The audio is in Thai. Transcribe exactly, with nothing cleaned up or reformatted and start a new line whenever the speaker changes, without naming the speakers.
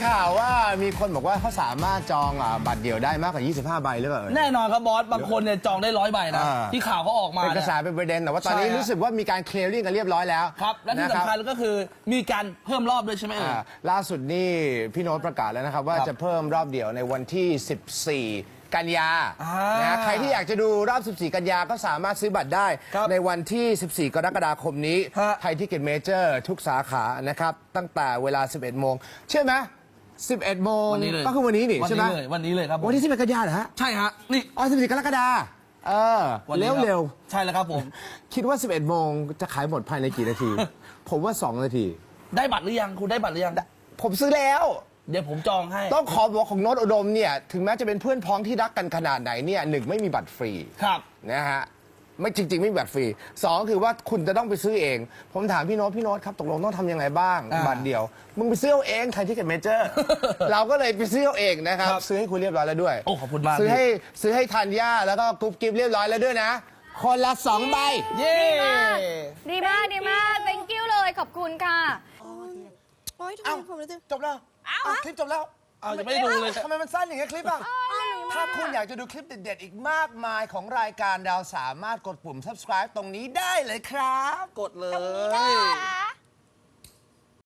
ข่าวว่ามีคนบอกว่าเขาสามารถจองบัตรเดี่ยวได้มากกว่ายี่สิบห้าใบหรือเปล่า
แน่นอนครับบอสบางคนเนี่ยจองได้ร้อยใบนะที่ข่าวเขาออกมา
เป็นกระแสเป็นประเด็นแต่ว่าตอนนี้รู้สึกว่ามีการเคลียร์ริ่งกันเรียบร้อยแล้ว
ครับและที่สำคัญก็คือมีการเพิ่มรอบด้วยใช่ไหมเอ่ย
ล่าสุดนี่พี่โน้ตประกาศแล้วนะครับว่าจะเพิ่มรอบเดี่ยวในวันที่สิบสี่กันยานะใครที่อยากจะดูรอบสิบสี่กันยาก็สามารถซื้อบัตรได้ในวันที่สิบสี่กรกฎาคมนี้ไทยทิเก็ตเมเจอร์ทุกสาขานะครับตั้งแต่เวลาสิบเอ็ดโมงเชื่อไหมสิบเอ็ดโมงก็คือวันนี้นี่ใช่ไหม
วันนี้เลยครับ
วันที่สิบเอ็ดกันยาเหรอฮะ
ใช่ฮะนี่
อ๋อสิบสี่กรกฎาเออเร็วเร็ว
ใช่แล้วครับผม
คิดว่าสิบเอ็ดโมงจะขายหมดภายในกี่นาทีผมว่าสองนาที
ได้บัตรหรือยังคุณได้บัตรหรือยัง
ผมซื้อแล้ว
เดี๋ยวผมจองให้
ต้องขอบอกของโน้ตอุดมเนี่ยถึงแม้จะเป็นเพื่อนพ้องที่รักกันขนาดไหนเนี่ยหนึ่งไม่มีบัตรฟรี
ครับ
นะฮะไม่จริงๆไม่มีบัตรฟรีสองคือว่าคุณจะต้องไปซื้อเองผมถามพี่โน้ตพี่โน้ตครับตกลงต้องทำยังไงบ้างบัตรเดียวมึงไปซื้อเอาเองไทยทิเก็ตเมเจอร์เราก็เลยไปซื้อเอาเองนะครับซื้อให้คุณเรียบร้อยแล้วด้วย
โอ้ขอบคุณมาก
ซื้อให้ซื้อให้ธัญญาแล้วก็กุ๊บกิ๊บเรียบร้อยแล้วด้วยนะคนละสองใบ
เย้
ดีมากดีมาก thank you เลยขอบคุณค่ะ
โอ๊ยทำไมผมรู้สึก
จบแล้วคลิปจบแล้ว
อ้าวยังไม่ได้ดูเลย
ทำไมมันสั้นอย่างเงี้ยคลิปอ่ะถ้าคุณอยากจะดูคลิปเด็ดๆอีกมากมายของรายการเราสามารถกดปุ่ม subscribe ตรงนี้ได้เลยครับ
กดเลย